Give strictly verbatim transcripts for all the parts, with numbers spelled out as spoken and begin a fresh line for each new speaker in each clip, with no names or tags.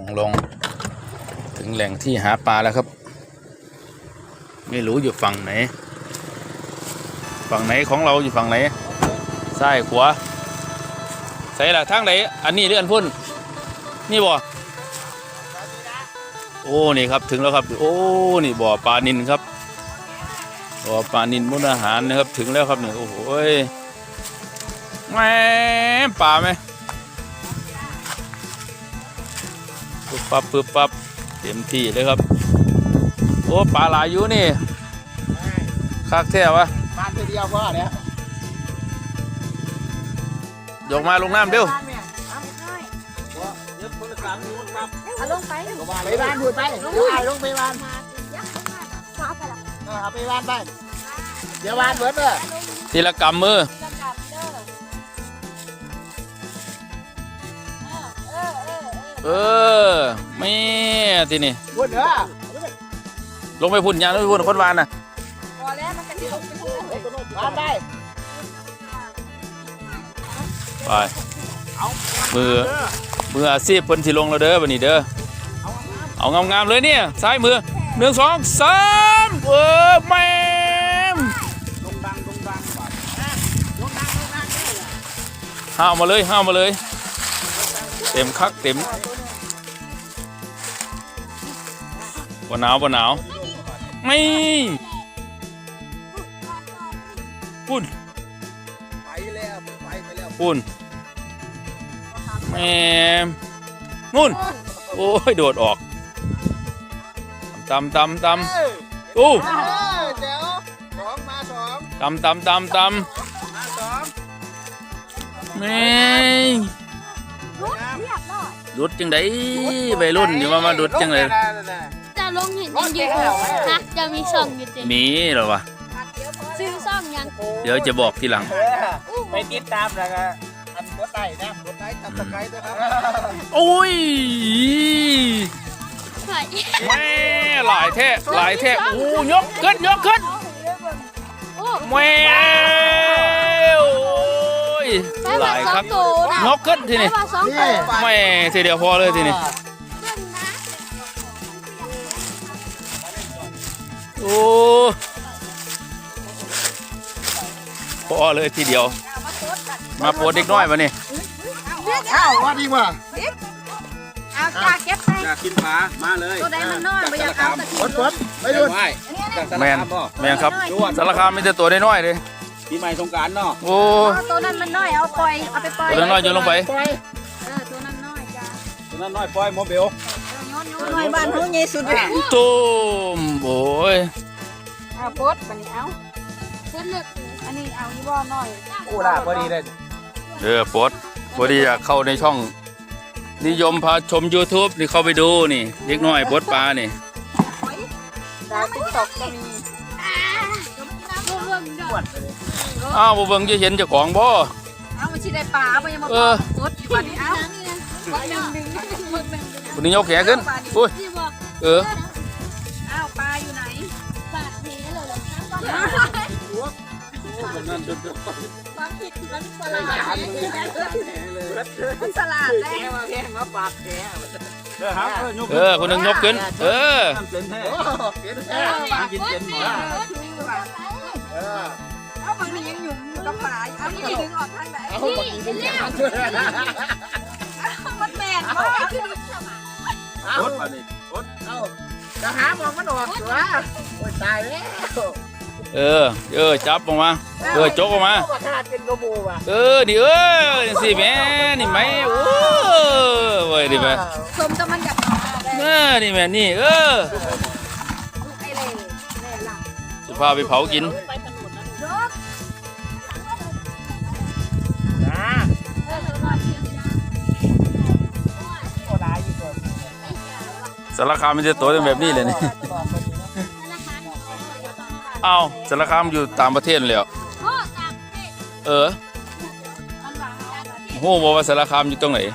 ลงถึงแหล่งที่หาปลาแล้วครับไม่รู้อยู่ฝั่งไหนฝั่งไหนของเราอยู่ฝั่งไหนซ้ายขวาใส่ละทางไหนอันนี้หรืออันพุ่นนี่บ่โอ้นี่ครับถึงแล้วครับโอ้นี่บ่อปลานิลครับบ่อปลานิลมุกดาหารนะครับถึงแล้วครับเนี่ยโอ้โหแม่ปลาไหมปึ๊บปั๊บปึ๊บปั๊บเต็มที่เลยครับโอ้ปลาหลายอยู่นี่คักแท้วะ
ปลาตัวเดียวก็เนี่ย
ยกมาลงน้ำเร็ว
เอาลงไป
ไปบ้านพูดไปลงไปลงไปบ้านเอาไปบ้านไปเดี๋ยวบ้านเบิดเลย
ทีละกำมือเออไม่ทีนี่
พูดเด้อ
ลงไปพุ่นยางลงไปพุ่นคนวานน่ะ
พอแล้วมันกันที่ลงไปพุ่น
บ้านไป
ไปมือมืออาชีพเพิ่นสิลงแล้วเด้อวันนี้เด้อเอางามๆเลยเนี่ยซ้ายมือหนึ่งสองสามเออแม่ม
ลงดังลงดังก่อนลงดังลงดัง
ห้าวมาเลยห้าวมาเลยเต็มคักเต็มบ่หนาวบ่หนาวไม่ปุ่น
ไปแล้วไปไปแล้ว
ปุ่นแม่มุ่นโอ้ยโดดออกตำตำตำโอ้
เดี๋ยวสองมาสอง
ตำตำตำตำ
มาสอง
แม่
รุดเรียบร้อย
ดุดจังไดใบรุ่นนี่ว่ามาดุดจังเลย
จะลงเห็นยังอยู่ฮะจะมีช่องอยู่จริง
มีเหรอวะ
ซื้อช่องยัง
เดี๋ยวจะบอกทีหลัง
ไปติดตามแล้วก็อันกดไลค์นะกดไลค์ตับสไครต์ด้วยครับ
โอ้ย
แม่
หลายแท้หลายแท้โอ้ยกขึ้นยกขึ้นแม่โอ้ยหลายครับยกขึ้นทีนี้แม่ทีเดียวพอเลยทีนี้โอ้พอเลยทีเดียวมาโปรดเด็กน้อยมาเนี่ย
อ้าวว่าดีว่ะ
เอาจ้าเก็บไป
อยากกินปลามาเลย
ตัวใดมันน้อยไม่อยากเอา
ปดปดไม่ดู
แมนแมนครับสารคามมีแต่ตัวน้อยเลย
ปีใหม่สงกรานต์เนาะ
โอ้
ตัวนั้นมันน้อยเอาปล่อยเอาไปปล่อย
ตัวน้อยโยนลงไป
เออตัวนั้นน้อยจ้า
ตัวนั้นน้อยปล่อยโมเบล
น้อยบ้านเขาใหญ่สุดเลย
ตุ้มโอ้ย
เอาโพสบันนี้เอาโพสเลือกอันนี้เอานี่บ่น้อย
โอ้ล่ะพอดีเลย
เออโพสพอดีอยากเข้าในช่องนิยมพาชม ยูทูบ นี่เข้าไปดูนี่เล็กน้อยโพสปลานี่
ดาวติ๊กต็อกก็มี
อ้าวบ่เบิ่งจะเห็นเจ้าของบ่
เอามันสิได้ปลาบ่ยังมาโพสอยู่บัดนี้เอา
คนนี้ยกแขนขึ้นอุ้ยเออ
อ้าวปลาอยู่ไหนปลาเทเลยเหรอความผิดมันสลัดมันสลัดแน่
มาแข่งมาปากแข่
เออคนนึงยกขึ้นเออ
กินเย็นหมด
เอาบางทียังอยู่กับปลาเอาที่ดึงออกทางไหน
เอาบางทีดึงออก
มันแมนมาก
โคตรมาดิโคตรเอาจะหามองมันออกเหรอโอ้ยตายแล้ว
เออเออจับออกมาเออจกออกมาเออดิเออสิแม่นี่ไหมโอ้เว้ยดิแม่
สมกับมันกับ
เออนี่แม่นี่เออจะพาไปเผากินสารคามมันจะโตเป็นแบบนี้เลยนี่อ้าวสารคามอยู่ต่างประเทศเลยเออโหบอกว่าสารคามอยู่ตรงไหน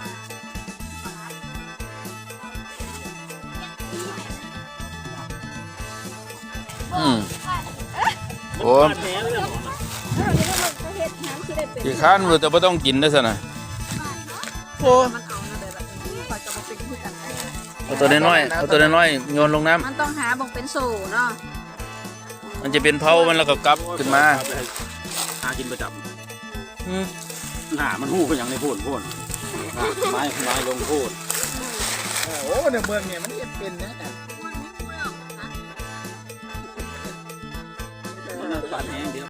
อืมโอ้กี่ขั้นมือแต่ไม่ต้องกินได้สินะโอ้เอาตัวน้อยๆเอาตัวน้อยๆโยนลงน้ำ
มันต้องหาบ่งเป็นโซ่เนาะ
มันจะเป็นเผามันแล้วก็กลับขึ้นมา
หากินประจ
อืม
ำหน้ามันหู้ก็ยังในโพนโพนไม้ไม้ลงโพนโอ้ในเมืองเนี่ยมันจะเป็นนะเนี่ยบาดแห้งเดียว